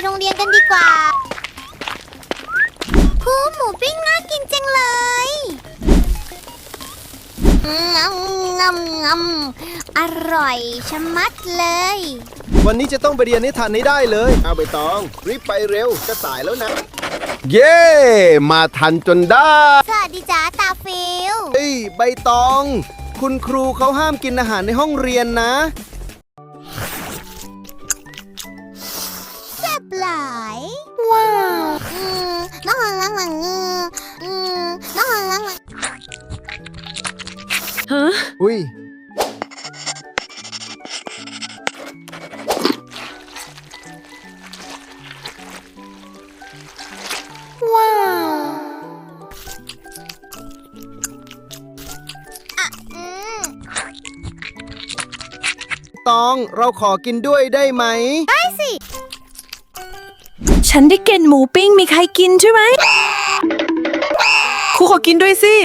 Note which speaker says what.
Speaker 1: โรงเรียนกันดีกว่าคูหมูปิ้งน่ากินจังเลยอร่อยชะมัดเลย
Speaker 2: วันนี้จะต้องไปเรียนให้ทันให้ได้เลยเอาใบตองรีบไปเร็วจะสายแล้วนะเย้ มาทันจนได้
Speaker 1: สวัสดีจ้าตาฟิล
Speaker 2: เฮ้ยใบตอง คุณครูเขาห้ามกินอาหารในห้องเรียนนะ
Speaker 1: แซ่บหลายว้าวน้องลังน้องลัง
Speaker 3: ฮะ
Speaker 2: อุ้ย
Speaker 1: ว้าว
Speaker 2: ตองเราขอกินด้วยได้ไหม
Speaker 1: ได้สิ
Speaker 3: ฉันได้กินหมูปิ้งมีใครกินใช่ไหมครูขอกินด้วยสิ